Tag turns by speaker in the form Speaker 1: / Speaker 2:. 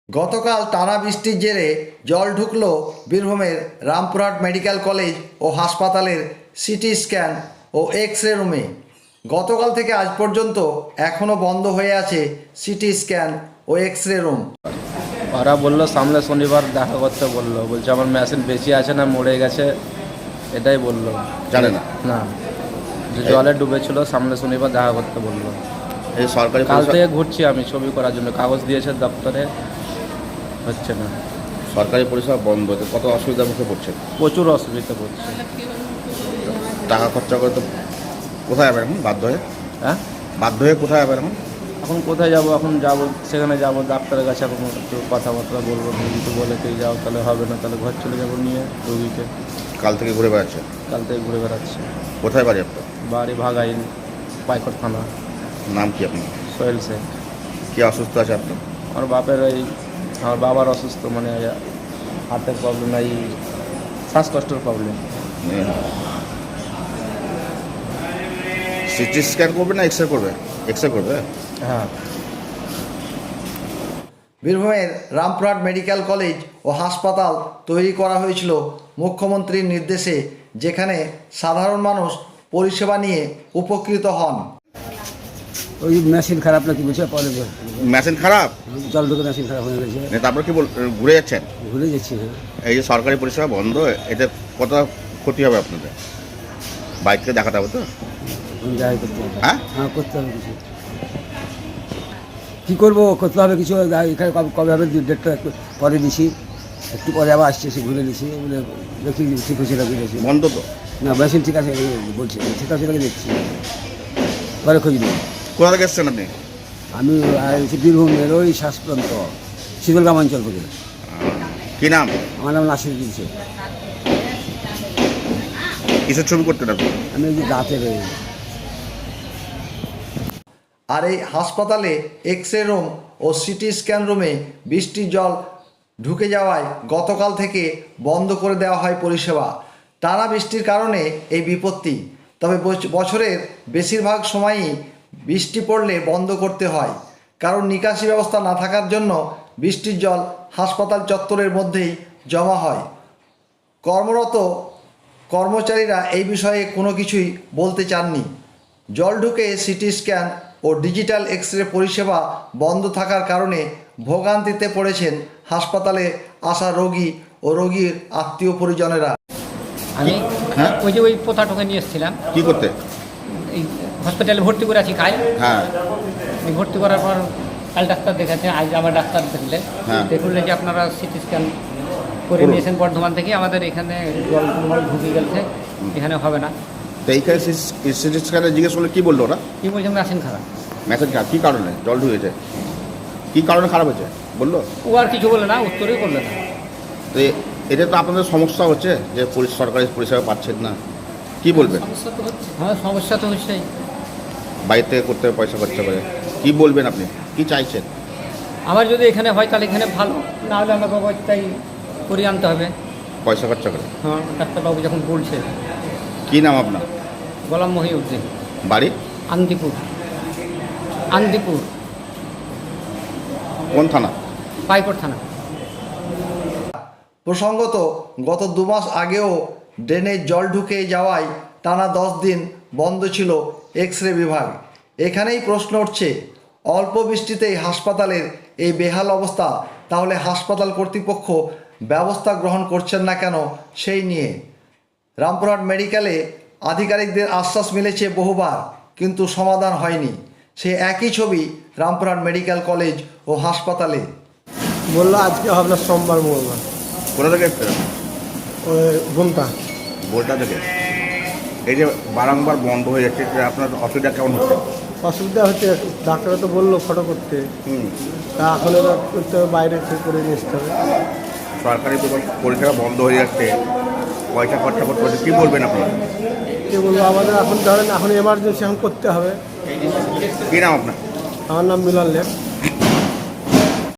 Speaker 1: গতকাল টানা বৃষ্টির জেরে জল ঢুকল বীরভূমের রামপুরহাট মেডিকেল কলেজ ও হাসপাতালের সিটি স্ক্যান ও এক্স রে রুমে। গতকাল থেকে আজ পর্যন্ত এখনও বন্ধ হয়ে আছে সিটি স্ক্যান ও এক্স রে রুম।
Speaker 2: ওরা বললো সামনে শনিবার দেখা করতে বললো, বলছে আমার মেশিন বেশি আছে না মরে গেছে, এটাই বললো।
Speaker 3: জানে না
Speaker 2: না, যে জলে ডুবেছিল সামনে শনিবার দেখা করতে বললো।
Speaker 3: এই সরকারি
Speaker 2: কাল থেকে ঘুরছি আমি ছবি করার জন্য, কাগজ দিয়েছে দপ্তরে, হচ্ছে না।
Speaker 3: সরকারি পরিষেবা বন্ধ, তো কত অসুবিধার মুখে পড়ছে,
Speaker 2: প্রচুর অসুবিধা পড়ছে।
Speaker 3: টাকা খরচা করে তো কোথায় যাবে এখন?
Speaker 2: হ্যাঁ,
Speaker 3: বাধ্য হয়ে কোথায় যাবে এখন?
Speaker 2: এখন কোথায় যাব? এখন যাব, সেখানে যাব ডাক্তারের কাছে, এখন একটু কথাবার্তা বলবো। যদি বলে তুই যাও তাহলে হবে না, তাহলে ঘর চলে যাবো নিয়ে রোগীকে।
Speaker 3: কাল থেকে ঘুরে বেড়াচ্ছে?
Speaker 2: কাল থেকে ঘুরে বেড়াচ্ছে।
Speaker 3: কোথায় বাড়ি আপনার?
Speaker 2: বাড়ি ভাগাইল, পাইকর থানা।
Speaker 3: নাম কি আপনার?
Speaker 2: সোহেল শেখ।
Speaker 3: কি অসুস্থ আছে আপনার?
Speaker 2: আমার বাপের আমার বাবার অসুস্থ, মানে হার্টের প্রবলেম, এই শ্বাসকষ্টের প্রবলেম।
Speaker 3: সিটি স্ক্যান করবে না এক্স রে করবে? এক্স রে করবে।
Speaker 2: হ্যাঁ।
Speaker 1: বীরভূমের রামপুরহাট মেডিকেল কলেজ ও হাসপাতাল তৈরি করা হয়েছিল মুখ্যমন্ত্রীর নির্দেশে, যেখানে সাধারণ মানুষ পরিষেবা নিয়ে উপকৃত হন।
Speaker 4: ওই মেশিন খারাপ নাকি বুঝে পরে
Speaker 3: মেশিন খারাপ,
Speaker 4: জল ঢুকে মেশিন খারাপ হয়ে গেছে,
Speaker 3: তারপর কি ঘুরে যাচ্ছেন?
Speaker 4: ভুলে যাচ্ছি। হ্যাঁ,
Speaker 3: এই যে সরকারি পরিষেবা বন্ধ, এতে কত ক্ষতি হবে আপনাদের? বাইক থেকে দেখাতে হবে তো?
Speaker 4: যাই করতে হবে।
Speaker 3: হ্যাঁ
Speaker 4: হ্যাঁ, করতে হবে কিছু। কী করবো, করতে হবে কিছু। এখানে কবে হবে ডেটটা একটু পরে দিছি, একটু পরে আবার আসছে, এসে ঘুরে দিছি, বলে দেখি ঠিক হয়েছে নাকি দেখছি।
Speaker 3: বন্ধ তো?
Speaker 4: না, মেশিন ঠিক আছে বলছি, ঠিক আছে নাকি দেখছি, পরে খোঁজ নেব।
Speaker 3: কোথা থেকে এসছেন আপনি?
Speaker 4: আমি বীরভূমের ওই শ্বাস প্রান্ত শীতলগ্রাম অঞ্চল থেকে।
Speaker 3: কি নাম?
Speaker 4: আমার নাম নাসির দিয়েছে।
Speaker 3: কিসের ছবি করতেন আপনি?
Speaker 4: আমি ওই যে দাঁতের
Speaker 1: আর এই হাসপাতালে এক্স রে রুম ও সিটি স্ক্যান রুমে বৃষ্টির জল ঢুকে যাওয়ায় গতকাল থেকে বন্ধ করে দেওয়া হয় পরিষেবা। টানা বৃষ্টির কারণে এই বিপত্তি। তবে বছরের বেশিরভাগ সময়ই বৃষ্টি পড়লে বন্ধ করতে হয়, কারণ নিকাশি ব্যবস্থা না থাকার জন্য বৃষ্টির জল হাসপাতাল চত্বরের মধ্যেই জমা হয়। কর্মরত কর্মচারীরা এই বিষয়ে কোনো কিছুই বলতে চাননি। জল ঢুকে সিটি স্ক্যান ও ডিজিটাল এক্স রে পরিষেবা বন্ধ থাকার কারণে ভোগান্তিতে পড়েছেন হাসপাতালে আসা রোগী ও রোগীর আত্মীয় পরিজনেরা।
Speaker 5: আমি
Speaker 3: হ্যাঁ
Speaker 5: ওই যে ওই পোতাটোকে নিয়ে এসেছিলাম,
Speaker 3: কি করতে?
Speaker 5: এই হসপিটালে ভর্তি করে আছি কাল।
Speaker 3: হ্যাঁ
Speaker 5: এই ভর্তি করার পর কাল ডাক্তার দেখাচ্ছে, আজ আমার ডাক্তার দেখলে
Speaker 3: হ্যাঁ।
Speaker 5: দেখলেন যে আপনারা সিটি স্ক্যান করে নিয়েছেন বর্ধমান থেকে, আমাদের এখানে জল ঢুকে গেছে, এখানে হবে না।
Speaker 3: তো এইখানে সিটি স্ক্যানে জিজ্ঞেস করলে কি বললো ওরা?
Speaker 5: কী বলছেন, মেশিন খারাপ।
Speaker 3: মেসেজ খারাপ? কী কারণে জল ঢুকেছে? কী কারণে খারাপ হয়েছে বললো?
Speaker 5: ও আর কিছু বলে না, উত্তরই করলে না।
Speaker 3: তো এটা তো আপনাদের সমস্যা হচ্ছে যে সরকারি পরিষেবা পাচ্ছেন না, কি বলবেন?
Speaker 5: সমস্যা তো হচ্ছে। হ্যাঁ, সমস্যা তো হচ্ছেই।
Speaker 3: বাইরে থেকে করতে হবে পয়সা খরচা করে, কি বলবেন আপনি, কি চাইছেন?
Speaker 5: আমার যদি এখানে হয় তাহলে এখানে ভালো, না হলে আমাকে অবস্থায় করিয়ে আনতে হবে।
Speaker 3: পয়সা খরচা করে?
Speaker 5: হ্যাঁ, ডাক্তারবাবু যখন বলছে।
Speaker 3: কী নাম আপনার?
Speaker 5: গোলাম মহিউদ্দিন।
Speaker 3: বাড়ি?
Speaker 5: আন্দিপুর। আন্দিপুর
Speaker 3: কোন থানা?
Speaker 5: পাইকর থানা।
Speaker 1: প্রসঙ্গত গত 2 মাস আগেও ড্রেনে জল ঢুকে যাওয়ায় টানা 10 দিন বন্ধ ছিল এক্স রে বিভাগ। এখানেই প্রশ্ন উঠছে, অল্প বৃষ্টিতেই হাসপাতালের এই বেহাল অবস্থা, তাহলে হাসপাতাল কর্তৃপক্ষ ব্যবস্থা গ্রহণ করছেন না কেন সেই নিয়ে। রামপুরহাট মেডিকেলে আধিকারিকদের আশ্বাস মিলেছে বহুবার, কিন্তু সমাধান হয়নি। সে একই ছবি রামপুরহাট মেডিকেল কলেজ ও হাসপাতালে।
Speaker 6: বললো আজকে হবে না, সোমবার মঙ্গলবার।
Speaker 3: কোথা থেকে এসছেন?
Speaker 6: ওই ঘুমটা
Speaker 3: বোলটা থেকে। এই যে বারংবার বন্ধ হয়ে যাচ্ছে, এটা আপনার অসুবিধা কেমন হচ্ছে?
Speaker 6: অসুবিধা হচ্ছে, ডাক্তাররা তো বললো ফটো করতে, তা এখন এরা করতে হবে, বাইরে থেকে করে নিয়ে আসতে হবে।
Speaker 3: সরকারি পরিষেবা বন্ধ হয়ে যাচ্ছে, পয়সা খরচা করতে হচ্ছে, কী বলবেন আপনারা?
Speaker 6: কে বলবো, আমাদের এখন ধরেন এখন এমার্জেন্সি এখন করতে হবে।
Speaker 3: কী নাম আপনার?
Speaker 6: আমার নাম মিলন লেখ।